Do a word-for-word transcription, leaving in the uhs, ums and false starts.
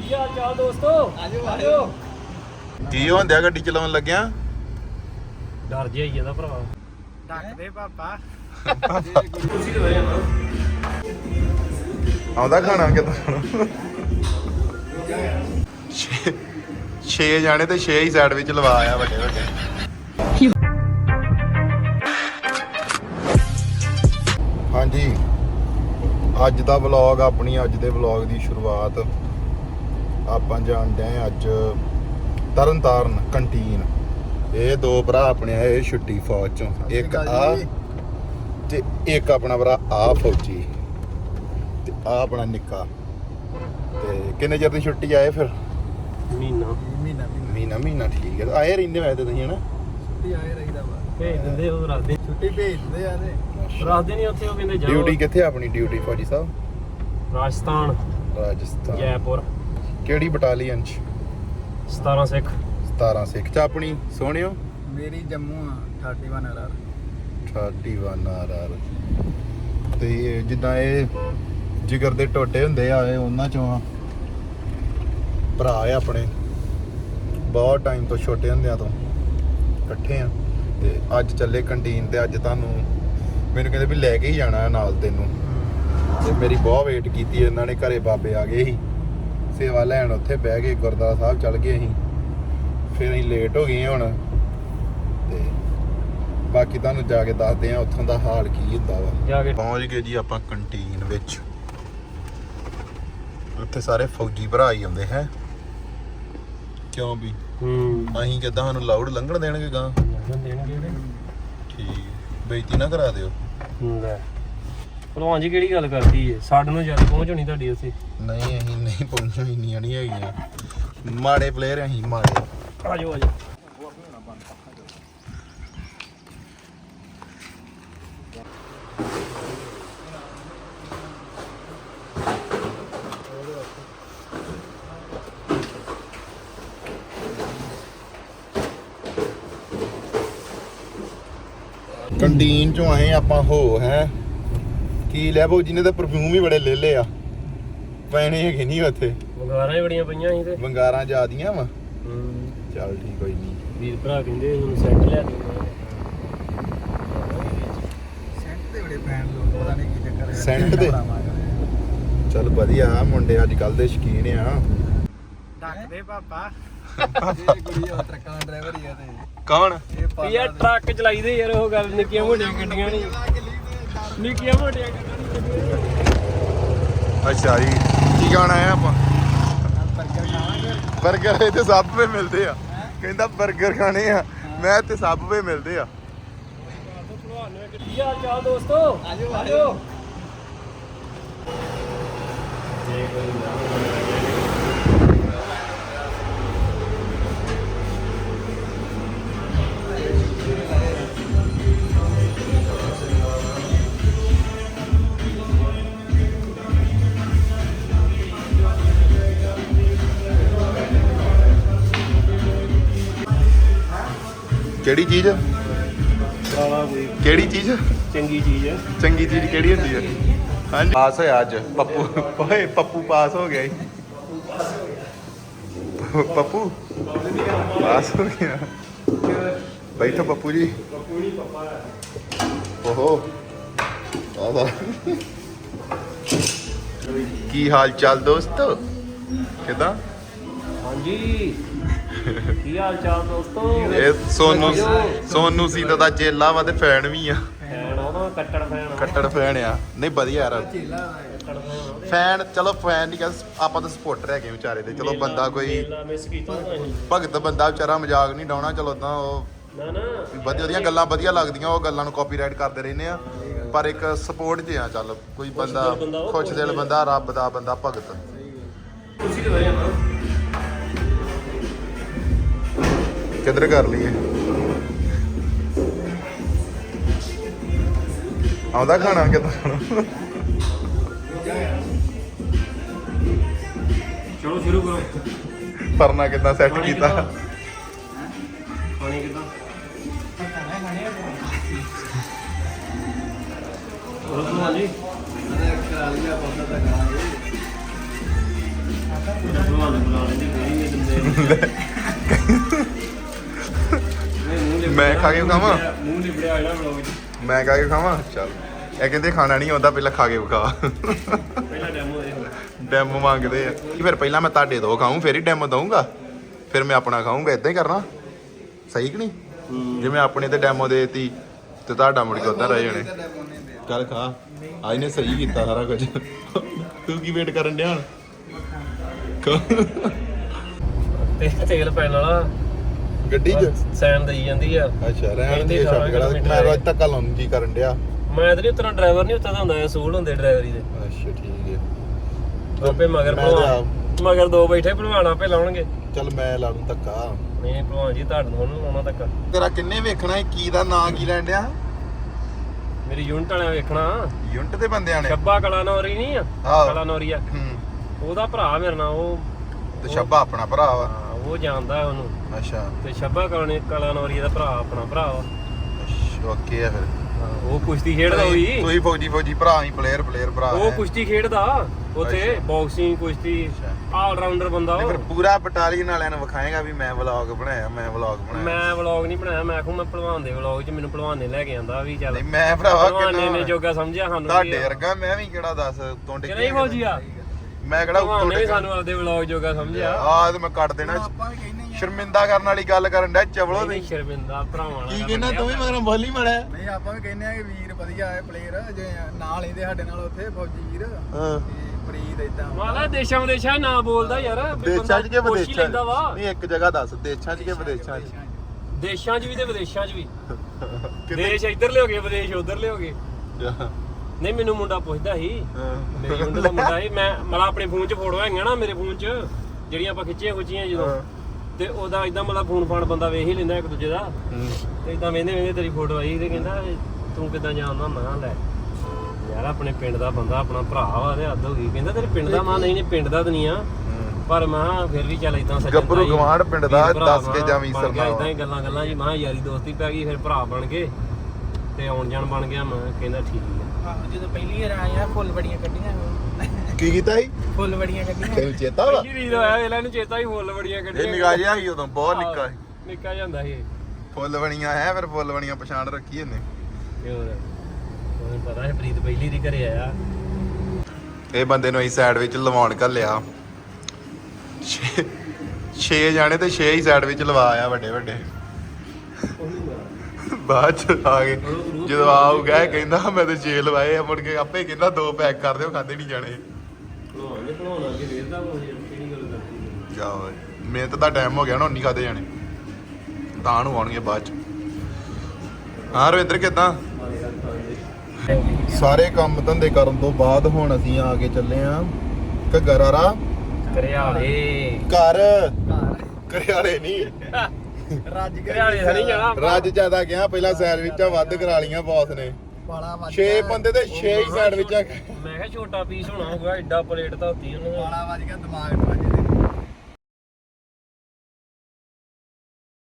ਕੀ ਹਾਲ ਚਾਲ ਦੋਸਤੋ? ਆਜੋ ਆਜੋ। ਕੀ ਹੁੰਦਿਆ ਗੱਡੀ ਚਲਾਉਣ ਲੱਗਿਆ? ਡਰ ਜਿਹਾ ਹੀ ਜਾਂਦਾ ਭਰਾ। ਡੱਕ ਦੇ ਪਾਪਾ। ਤੁਸੀਂ ਤੇ ਵਜੇ ਨਾ ਆਉਂਦਾ ਖਾਣਾ ਕਿਦਾਂ? ਛੇ ਜਾਣੇ ਤੇ ਛੇ ਹੀ ਸਾਈਡ ਵਿੱਚ ਲਵਾ ਆ ਵੱਡੇ ਵੱਡੇ। ਹਾਂਜੀ, ਅੱਜ ਦਾ ਵਲੌਗ, ਆਪਣੀ ਅੱਜ ਦੇ ਵਲੌਗ ਦੀ ਸ਼ੁਰੂਆਤ ਆਪਾਂ ਜਾਣਦੇ ਆਂ ਅੱਜ ਤਰਨ ਤਾਰਨ ਕੰਟੀਨ। ਇਹ ਦੋ ਭਰਾ ਆਪਣੇ ਆਏ ਛੁੱਟੀ ਫੌਜ ਚੋਂ, ਇੱਕ ਆ ਤੇ ਇੱਕ ਆਪਣਾ ਭਰਾ ਆ ਫੌਜੀ ਤੇ ਆ ਆਪਣਾ ਨਿੱਕਾ। ਤੇ ਕਿੰਨੇ ਚਿਰ ਦੀ ਛੁੱਟੀ ਆਏ ਫਿਰ? ਮਹੀਨਾ ਮਹੀਨਾ ਮਹੀਨਾ ਮਹੀਨਾ ਠੀਕ ਹੈ। ਆਏ ਰਹਿੰਦੇ ਵੈਸੇ ਤੁਸੀਂ ਹਨਾ? ਛੁੱਟੀ ਆਏ ਰਹੀਦਾ ਵਾ। ਭੇਜ ਦਿੰਦੇ ਉਹ ਰੱਖਦੇ ਛੁੱਟੀ ਭੇਜ ਦਿੰਦੇ ਆ ਤੇ ਰੱਖਦੇ ਨਹੀਂ ਉੱਥੇ। ਉਹ ਕਹਿੰਦੇ ਜਾਓ। ਡਿਊਟੀ ਕਿੱਥੇ ਆਪਣੀ ਡਿਊਟੀ ਫੌਜੀ ਸਾਹਿਬ? ਰਾਜਸਥਾਨ, ਰਾਜਸਥਾਨ। ਜੈਪੁਰ। ਕਿਹੜੀ ਬਟਾਲੀਅਨ ਚ? ਸਤਾਰਾਂ ਸਿੱਖ। ਸਤਾਰਾਂ ਸਿੱਖ ਚ ਆਪਣੀ ਸੋਹਣਿਓ। ਮੇਰੀ ਜੰਮੂ ਆ ਇਕੱਤੀ ਆਰ ਆਰ। ਇਕੱਤੀ ਆਰ ਆਰ। ਤੇ ਜਿੱਦਾਂ ਇਹ ਜਿਗਰ ਦੇ ਟੋਟੇ ਹੁੰਦੇ ਆ, ਇਹ ਉਹਨਾਂ ਚੋਂ ਆ। ਭਰਾ ਆ ਆਪਣੇ, ਬਹੁਤ ਟਾਈਮ ਤੋਂ ਛੋਟੇ ਹੁੰਦਿਆਂ ਤੋਂ ਇਕੱਠੇ ਆ। ਤੇ ਅੱਜ ਚੱਲੇ ਕੰਟੀਨ ਤੇ ਅੱਜ ਤੁਹਾਨੂੰ ਮੈਨੂੰ ਕਹਿੰਦੇ ਵੀ ਲੈ ਕੇ ਹੀ ਜਾਣਾ ਨਾਲ ਤੈਨੂੰ। ਤੇ ਮੇਰੀ ਬਹੁਤ ਵੇਟ ਕੀਤੀ ਇਹਨਾਂ ਨੇ। ਘਰੇ ਬਾਬੇ ਆ ਗਏ ਸੀ ਸੇਵਾ ਲੈਣ, ਉੱਥੇ ਬਹਿ ਕੇ ਗੁਰਦੁਆਰਾ ਸਾਹਿਬ ਚੱਲ ਗਏ ਅਸੀਂ। ਫਿਰ ਅਸੀਂ ਲੇਟ ਹੋ ਗਏ ਹੁਣ। ਤੇ ਬਾਕੀ ਤੁਹਾਨੂੰ ਜਾ ਕੇ ਦੱਸਦੇ ਆ ਉੱਥੋਂ ਦਾ ਹਾਲ ਕੀ ਹੁੰਦਾ ਵਾ। ਜਾ ਕੇ ਪਹੁੰਚ ਗਏ ਜੀ ਆਪਾਂ ਕੰਟੀਨ ਵਿੱਚ। ਉੱਥੇ ਸਾਰੇ ਫੌਜੀ ਭਰਾ ਹੀ ਆਉਂਦੇ ਹੈ। ਕਿਉਂ ਵੀ ਹੂੰ ਅਸੀਂ ਕਿੱਦਾਂ ਸਾਨੂੰ ਲਾਊਡ ਲੰਘਣ ਦੇਣਗੇ ਗਾਂ? ਦੇਣਗੇ ਤੇ ਠੀਕ, ਬੇਇੱਜ਼ਤੀ ਨਾ ਕਰਾ ਦਿਓ। ਲੈ ਭਲਵਾਨ ਜੀ ਕਿਹੜੀ ਗੱਲ ਕਰਦੀ ਏ? ਸਾਡੇ ਨੂੰ ਜਦ ਪਹੁੰਚ ਹੋਣੀ ਤੁਹਾਡੀ ਉੱਥੇ। ਨਹੀਂ ਅਸੀਂ ਨਹੀਂ ਪਹੁੰਚਣਾ, ਇੰਨੀਆਂ ਨਹੀਂ ਹੈਗੀਆਂ। ਮਾੜੇ ਪਲੇਅਰ ਅਸੀਂ, ਮਾੜੇ। ਆਜੋ ਆਜੋ। ਕੰਟੀਨ ਚੋਂ ਆਏ ਆਪਾਂ ਹੋ ਹੈ ਕੀ ਲੈ ਬੋ, ਜਿਹਨੇ ਤਾਂ ਪਰਫਿਊਮ ਹੀ ਬੜੇ ਲੈ ਲਏ ਆ। ਪੈਣੇ ਹੈਗੇ ਨਹੀਂ ਉੱਥੇ, ਵੰਗਾਰਾਂ ਹੀ ਬੜੀਆਂ ਪਈਆਂ ਸੀ ਤੇ ਵੰਗਾਰਾਂ ਜ਼ਿਆਦੀਆਂ ਵਾ। ਹੂੰ ਚੱਲ ਠੀਕ ਕੋਈ ਨਹੀਂ। ਵੀਰ ਭਰਾ ਕਹਿੰਦੇ ਹੁਣ ਸੈੱਟ ਲਿਆ ਦੇ। ਸੈਂਟ ਤੇ ਬੜੇ ਪੈਣ ਲੋਕ, ਪਤਾ ਨਹੀਂ ਕੀ ਚੱਕਰ ਹੈ। ਸੈਂਟ ਦੇ? ਚੱਲ ਵਧੀਆ, ਮੁੰਡੇ ਅੱਜ ਕੱਲ ਦੇ ਸ਼ੌਕੀਨ ਆ। ਡੱਕ ਦੇ ਪਾਪਾ। ਇਹ ਕੁੜੀ ਆ ਟਰੱਕਾਂ ਦਾ ਡਰਾਈਵਰ ਹੀ ਆ ਤੇ ਕੌਣ? ਇਹ ਯਾਰ ਟਰੱਕ ਚਲਾਈਦੇ ਯਾਰ, ਉਹ ਗੱਲ ਨਿੱਕੀਆਂ ਮੋਟੀਆਂ ਗੱਡੀਆਂ ਨਹੀਂ। ਨਿੱਕੀਆਂ ਮੋਟੀਆਂ ਗੱਡੀਆਂ ਨਹੀਂ। ਅੱਛਾ ਜੀ, ਕੀ ਖਾਣਾ ਹੈ ਆਪਾਂ? ਬਰਗਰ ਖਾਵਾਂਗੇ। ਬਰਗਰ ਇੱਥੇ ਸਭ ਵੇ ਮਿਲਦੇ ਆ। ਕਹਿੰਦਾ ਬਰਗਰ ਖਾਣੇ ਆ। ਮੈਂ ਇੱਥੇ ਸਭ ਵੇ ਮਿਲਦੇ ਆ। ਕੀ ਹਾਲ ਚਾਲ ਦੋਸਤੋ? ਆਜੋ ਆਜੋ। ਕਿਹੜੀ ਚੀਜ਼? ਸਾਲਾ ਕੋਈ ਕਿਹੜੀ ਚੀਜ਼? ਚੰਗੀ ਚੀਜ਼ ਹੈ। ਚੰਗੀ ਚੀਜ਼ ਕਿਹੜੀ ਹੁੰਦੀ ਹੈ? ਹਾਂਜੀ, ਪਾਸ ਹੋਇਆ ਅੱਜ ਪੱਪੂ। ਓਏ ਪੱਪੂ ਪਾਸ ਹੋ ਗਿਆ ਜੀ। ਪੱਪੂ ਪਾਸ ਹੋ ਗਿਆ। ਬੈਠੋ ਪੱਪੂ ਜੀ। ਪੱਪੂ ਨਹੀਂ ਪੱਪਾ ਹੈ। ਓਹੋ ਆਦਾ। ਕੀ ਹਾਲ ਚਾਲ ਦੋਸਤੋ? ਕਿਦਾਂ? ਹਾਂਜੀ ਕੀ ਹਾਲ ਚਾਲ ਦੋਸਤੋ? ਇਹ ਸੋਨੂ ਸੋਨੂ ਸੀਤਾ ਦਾ ਚੇਲਾ ਵਾ ਤੇ ਫੈਨ ਵੀ ਆ। ਫੈਨ ਉਹਦਾ ਕੱਟੜ ਫੈਨ। ਕੱਟੜ ਫੈਨ ਆ। ਨਹੀਂ ਵਧੀਆ ਯਾਰ, ਝੀਲਾ ਕੱਟੜ ਫੈਨ। ਫੈਨ ਚਲੋ ਫੈਨ ਨਹੀਂ ਕਹਿੰਦੇ ਆਪਾਂ ਤਾਂ ਸਪੋਰਟਰ ਹੈਗੇ ਵਿਚਾਰੇ ਦੇ। ਚਲੋ ਬੰਦਾ ਕੋਈ ਮੇਲਾ ਮਿਸ ਕੀਤਾ ਨਹੀਂ। ਭਗਤ ਬੰਦਾ ਵਿਚਾਰਾ, ਮਜ਼ਾਕ ਨਹੀਂ ਡਾਉਣਾ। ਚਲੋ ਤਾਂ ਉਹ ਨਾ ਨਾ ਵਧੀਆ ਉਹਦੀਆਂ ਗੱਲਾਂ ਵਧੀਆ ਲੱਗਦੀਆਂ, ਉਹ ਗੱਲਾਂ ਨੂੰ ਕਾਪੀਰਾਈਟ ਕਰਦੇ ਰਹਿੰਦੇ ਆ। ਪਰ ਇੱਕ ਸਪੋਰਟ 'ਚ ਆ। ਚੱਲ ਕੋਈ ਬੰਦਾ ਖੁਸ਼ ਦਿਲ ਬੰਦਾ, ਰੱਬ ਦਾ ਬੰਦਾ, ਭਗਤ। ਤੁਸੀਂ ਤੇ ਵਜੇ ਨਾ ਕਿੱਧਰ ਕਰ ਲਈਏ? ਆਉਂਦਾ ਖਾਣਾ ਕਿੱਦਾਂ? ਚਲੋ ਸ਼ੁਰੂ ਕਰੋ। ਪਰਨਾ ਕਿੱਦਾਂ ਸੈੱਟ ਕੀਤਾ? ਖਾਣੇ ਕਿੱਦਾਂ? ਹੋਰ ਸੁਣਾ ਜੀ। ਕਰਾ ਲਿਆ ਬੰਦਾ ਤਾਂ ਕਰਾਂਗੇ। ਭਲਵਾਨ ਨੇ ਬੁਲਾ ਲੈਂਦੇ ਕੋਈ ਨਹੀਂ ਦਿੰਦੇ ਮੈਂ ਖਾ ਕੇ ਖਾਵਾਂ ਮੂੰਹ ਲਿਬੜਿਆ ਜਿਹੜਾ ਬਲੌਗ 'ਚ ਮੈਂ ਖਾ ਕੇ ਖਾਵਾਂ ਚੱਲ ਇਹ ਕਹਿੰਦੇ ਖਾਣਾ ਨਹੀਂ ਆਉਂਦਾ ਪਹਿਲਾਂ ਖਾ ਕੇ ਵਿਖਾ ਪਹਿਲਾਂ ਡੈਮੋ ਦੇ ਡੈਮੋ ਮੰਗਦੇ ਆ ਕਿ ਫਿਰ ਪਹਿਲਾਂ ਮੈਂ ਤੁਹਾਡੇ ਤੋਂ ਖਾਊਂ ਫਿਰ ਹੀ ਡੈਮੋ ਦਊਂਗਾ ਫਿਰ ਮੈਂ ਆਪਣਾ ਖਾਊਂਗਾ ਇਦਾਂ ਹੀ ਕਰਨਾ ਸਹੀ ਕਿ ਨਹੀਂ ਜੇ ਮੈਂ ਆਪਣੇ ਤੇ ਡੈਮੋ ਦੇਤੀ ਤੇ ਤੁਹਾਡਾ ਮੁੜ ਕੇ ਉੱਧਰ ਰਹਿ ਜਾਣੇ ਚੱਲ ਖਾ ਅੱਜ ਨੇ ਸਹੀ ਕੀਤਾ ਸਾਰਾ ਕੁਝ ਤੂੰ ਕੀ ਵੇਟ ਕਰਨ ਡਿਆ ਤੇ ਤੇਲ ਪੈਣ ਵਾਲਾ ਗੱਡੀ 'ਚ ਸੈਨ ਦੇਈ ਜਾਂਦੀ ਆ ਅੱਛਾ ਰਹਿਣ ਦੇ ਛੱਡ ਗੜਾ ਮੈਂ ਰੋਜ਼ ਤੱਕ ਲਾਉਣ ਜੀ ਕਰਨ ਡਿਆ ਮੈਂ ਤਾਂ ਨਹੀਂ ਉਤਰਾ ਡਰਾਈਵਰ ਨਹੀਂ ਉੱਤਾ ਹੁੰਦਾ ਅਸੂਲ ਹੁੰਦੇ ਡਰਾਈਵਰੀ ਦੇ ਅੱਛਾ ਠੀਕ ਹੈ ਆਪੇ ਮਗਰ ਮੈਂ ਭਲਵਾਨ ਮਗਰ ਦੋ ਬੈਠੇ ਭਲਵਾਨ ਆਪੇ ਲਾਉਣਗੇ ਚੱਲ ਮੈਂ ਲਾ ਲੂੰ ਧੱਕਾ ਨਹੀਂ ਭਲਵਾਨ ਜੀ ਤੁਹਾਡੇ ਨੂੰ ਉਹਨੂੰ ਲਾਉਣਾ ਤੱਕ ਤੇਰਾ ਕਿੰਨੇ ਵੇਖਣਾ ਕੀ ਦਾ ਨਾਂ ਕੀ ਲੈਣ ਡਿਆ ਮੇਰੀ ਯੂਨਿਟ ਵਾਲਿਆਂ ਵੇਖਣਾ ਯੂਨਿਟ ਦੇ ਬੰਦਿਆਂ ਨੇ ਛੱਬਾ ਕਲਾ ਨੌਰੀ ਨਹੀਂ ਆ ਆਹੋ। ਕਲਾ ਨੌਰੀ ਆ ਹੂੰ ਉਹਦਾ ਭਰਾ ਮੇਰੇ ਨਾਲ ਉਹ ਤੇ ਸ਼ੱਬਾ ਆਪਣਾ ਭਰਾ ਵਾ ਹਾਂ, ਉਹ ਜਾਣਦਾ ਉਹਨੂੰ ਅੱਛਾ ਤੇ ਛੱਬਾ ਕਲਾ ਕਲਾ ਨੌਰੀ ਦਾ ਭਰਾ ਆਪਣਾ ਭਰਾ ਵਾ ਅੱਛਾ ਓਕੇ ਆ ਫਿਰ ਹਾਂ, ਉਹ ਕੁਸ਼ਤੀ ਖੇਡਦਾ ਹੋਈ ਤੁਸੀਂ ਫੌਜੀ ਫੌਜੀ ਭਰਾ ਹੀ ਪਲੇਅਰ ਪਲੇਅਰ ਭਰਾ ਉਹ ਕੁਸ਼ਤੀ ਖੇਡਦਾ ਉੱਥੇ ਅੱਛਾ। ਬਾਕਸਿੰਗ ਕੁਸ਼ਤੀ ਆਲ ਰਾਊਂਡਰ ਬੰਦਾ ਨਹੀਂ ਉਹ ਫਿਰ ਪੂਰਾ ਬਟਾਲੀਅਨ ਵਾਲਿਆਂ ਨੂੰ ਵਿਖਾਏਗਾ ਵੀ ਮੈਂ ਵਲੌਗ ਬਣਾਇਆ ਮੈਂ ਵਲੌਗ ਬਣਾਇਆ ਮੈਂ ਵਲੌਗ ਨਹੀਂ ਬਣਾਇਆ ਮੈਂ ਆਖੂ ਮੈਂ ਭਲਵਾਨ ਦੇ ਵਲੌਗ 'ਚ ਮੈਨੂੰ ਭਲਵਾਨ ਨੇ ਲੈ ਕੇ ਆਂਦਾ ਵੀ ਚੱਲ ਨਹੀਂ ਮੈਂ ਭਰਾਵਾ ਭਲਵਾਨ ਨੇ ਕਿੰਨਾ ਜੋਗਾ ਸਮਝਿਆ ਸਾਨੂੰ ਤੁਹਾਡੇ ਵਰਗਾ ਮੈਂ ਵੀ ਕਿਹੜਾ ਦੱਸ ਤੋਂ ਕਿ ਨਹੀਂ ਫੌਜੀ ਆ ਮੈਂ ਕਿਹੜਾ ਭਲਵਾਨ ਉੱਤੋਂ ਨੇ ਵੀ ਡਿੱਗਾ ਸਾਨੂੰ ਆਪਦੇ ਵਲੌਗ ਜੋਗਾ ਸਮਝਿਆ ਆਹ ਤੇ ਮੈਂ ਕੱਟ ਦੇਣਾ ਆਪਾਂ ਵੀ ਕਹਿੰਦੇ ਹੀ ਆ ਸ਼ਰਮਿੰਦਾ ਕਰਨ ਵਾਲੀ ਗੱਲ ਕਰਨ ਡਿਆ ਚਵਲੋ ਨਹੀਂ ਨਹੀਂ ਸ਼ਰਮਿੰਦਾ ਭਰਾਵਾਂ ਕੀ ਕਹਿੰਦਾ ਤੂੰ ਵੀ ਮਗਰੋਂ ਬੋਲੀ ਮੜਿਆ ਨਹੀਂ ਆਪਾਂ ਵੀ ਕਹਿੰਦੇ ਆ ਕਿ ਵੀਰ ਵਧੀਆ ਹੈ ਪਲੇਅਰ ਜੇ ਨਾਲ ਇਹਦੇ ਸਾਡੇ ਨਾਲ ਉੱਥੇ ਫੌਜੀ ਵੀਰ ਹਾਂ ਤੇ ਪ੍ਰੀਤ ਇਦਾਂ ਮਾਲਾ ਦੇਸ਼ਾਂ ਵਿਦੇਸ਼ਾਂ ਨਾ ਬੋਲਦਾ ਯਾਰ ਵੀ ਦੇਸ਼ਾਂ 'ਚ ਕਿ ਬੰਦਾ ਪੁੱਛ ਹੀ ਵਿਦੇਸ਼ਾਂ ਲੈਂਦਾ ਵਾ 'ਚ ਨਹੀਂ ਇੱਕ ਜਗ੍ਹਾ ਦੱਸ ਦੇਸ਼ਾਂ 'ਚ ਕਿ ਵਿਦੇਸ਼ਾਂ 'ਚ ਦੇਸ਼ਾਂ 'ਚ ਵੀ ਤੇ ਵਿਦੇਸ਼ਾਂ 'ਚ ਵੀ ਕਿਤੇ ਦੇਸ਼ ਇੱਧਰ ਲਿਓਗੇ ਵਿਦੇਸ਼ ਉੱਧਰ ਲਿਓਗੇ ਨਹੀਂ ਮੈਨੂੰ ਮੁੰਡਾ ਪੁੱਛਦਾ ਸੀ ਮੇਰੇ ਮੁੰਡੇ ਦਾ ਮੁੰਡਾ ਸੀ ਮੈਂ ਮਤਲਬ ਆਪਣੇ ਫੋਨ 'ਚ ਫੋਟੋ ਹੈਗੀਆਂ ਨਾ ਮੇਰੇ ਫੋਨ 'ਚ ਜਿਹੜੀਆਂ ਆਪਾਂ ਖਿੱਚੀਆਂ ਖੁੱਚੀਆਂ ਜਦੋਂ ਤੇ ਉਹਦਾ ਇਦਾਂ ਮਤਲਬ ਫੋਨ ਫਾਨ ਬੰਦਾ ਵੇਖ ਹੀ ਲੈਂਦਾ ਇੱਕ ਦੂਜੇ ਦਾ ਤੇ ਇਦਾਂ ਵੇਂਦੇ ਵੇਂਦੇ ਤੇਰੀ ਫੋਟੋ ਆਈ ਤੇ ਕਹਿੰਦਾ ਤੂੰ ਕਿੱਦਾਂ ਜਾਣਦਾ ਮੈਂ ਲੈ ਯਾਰ ਆਪਣੇ ਪਿੰਡ ਦਾ ਬੰਦਾ ਆਪਣਾ ਭਰਾ ਵਾ ਤੇ ਹੱਦ ਹੋ ਗਈ ਕਹਿੰਦਾ ਤੇਰੇ ਪਿੰਡ ਦਾ ਮਾਂ ਨਹੀਂ ਨਹੀਂ ਪਿੰਡ ਦਾ ਤਾਂ ਨਹੀਂ ਆ ਪਰ ਮੈਂ ਫਿਰ ਵੀ ਚੱਲ ਇਦਾਂ ਸੱਜਣ ਗੱਭਰੂ ਗਵਾਂਢ ਪਿੰਡ ਦਾ ਦੱਸ ਕੇ ਜਾਵੀਂ ਸਰਨਾ ਇਦਾਂ ਹੀ ਗੱਲਾਂ ਗੱਲਾਂ ਜੀ ਮੈਂ ਯਾਰੀ ਦੋਸਤੀ ਪੈ ਗਈ ਫਿਰ ਭਰਾ ਬਣ ਗਏ ਤੇ ਆਉਣ ਜਾਣ ਬਣ ਗਿਆ ਮੈਂ ਕਹਿੰਦਾ ਠੀਕ ਆ ਆਹੋ ਜਦੋਂ ਪਹਿਲੀ ਵਾਰ ਆਏ ਆ ਫੁੱਲ ਬੜੀਆਂ ਕੱਢੀਆਂ ਕੀ ਕੀਤਾ ਸੀ ਫੁੱਲ ਬੜੀਆਂ ਕੱਢੀਆਂ ਤੈਨੂੰ ਚੇਤਾ ਵਾ ਪਹਿਲੀ ਰੀਲ ਹੋਇਆ ਇਹਨਾਂ ਨੂੰ ਚੇਤਾ ਹੀ ਫੁੱਲ ਬੜੀਆਂ ਇਹ ਕੱਢੀਆਂ ਨਿਗਾਹ ਜਿਹਾ ਸੀ ਉਦੋਂ ਬਹੁਤ ਨਿੱਕਾ ਸੀ ਨਿੱਕਾ ਜਾਂਦਾ ਸੀ ਫੁੱਲ ਬਣੀਆਂ ਹੈ ਫਿਰ ਫੁੱਲ ਬਣੀਆਂ ਪਛਾਣ ਰੱਖੀ ਇਹਨੇ ਤੇ ਹੋਰ ਉਹਨੂੰ ਪਤਾ ਹੈ ਪ੍ਰੀਤ ਪਹਿਲੀ ਦੀ ਘਰੇ ਆਇਆ ਇਹ ਬੰਦੇ ਨੂੰ ਅਸੀਂ ਸਾਈਡ ਵਿੱਚ ਲਵਾਉਣ ਘੱਲਿਆ ਛੇ ਜਾਣੇ ਤੇ ਛੇ ਹੀ ਸਾਈਡ ਵਿੱਚ ਲਵਾ ਆ ਵੱਡੇ ਵੱਡੇ ਬਾਅਦ ਚ ਆ ਗਏ ਜਦੋਂ ਆਊਗਾ ਇਹ ਕਹਿੰਦਾ ਮੈਂ ਤੇ ਛੇ ਲਵਾਏ ਆ ਮੁੜ ਕੇ ਆਪੇ ਕਹਿੰਦਾ ਦੋ ਪੈਕ ਕਰ ਦਿਓ ਖਾਦੇ ਨਹੀਂ ਜਾਣੇ ਭਲਵਾਨ ਭਲਵਾਨ ਅੱਗੇ ਵੇਰਦਾ ਹੋ ਕਿਹੜੀ ਗੱਲ ਕਰਦੀ ਜਾਓ ਮਿਹਨਤ ਦਾ ਟਾਈਮ ਹੋ ਗਿਆ ਨਾ ਹੁਣ ਨਹੀਂ ਖਾਦੇ ਜਾਣੇ ਤਾਂ ਨੂੰ ਆਉਣਗੇ ਬਾਅਦ ਚ ਹਾਂ ਰਵਿੰਦਰ ਕਿੱਦਾਂ ਸਾਰੇ ਕੰਮ ਧੰਦੇ ਕਰਨ ਤੋਂ ਬਾਅਦ ਹੁਣ ਅਸੀਂ ਆ ਕੇ ਚੱਲੇ ਆ ਘਗਰਾਰਾ ਕਰਿਆਲੇ ਘਰ ਘਰ ਘਰਿਆਲੇ ਨਹੀਂ ਰੱਜ ਕੇ ਕਰਿਆਲੇ ਤਾਂ ਨਹੀਂ ਜਾਣਾ ਰੱਜ ਜ਼ਿਆਦਾ ਗਿਆ ਪਹਿਲਾਂ ਸੈਂਡਵਿਚਾਂ ਵੱਧ ਕਰਾ ਲੀਆਂ ਬੌਸ ਨੇ ਬਾਲਾ ਵੱਜ ਛੇ ਬੰਦੇ ਤੇ ਛੇ ਹੀ ਸੈਂਡਵਿਚਾਂ ਮੈਂ ਕਿਹਾ ਛੋਟਾ ਪੀਸ ਹੋਣਾ ਹੋਊਗਾ ਐਡਾ ਪਲੇਟ ਧੋਤੀ ਉਹਨਾਂ ਨੇ ਬਾਲਾ ਵੱਜ ਗਿਆ ਦਿਮਾਗ ਨੂੰ ਵੱਜ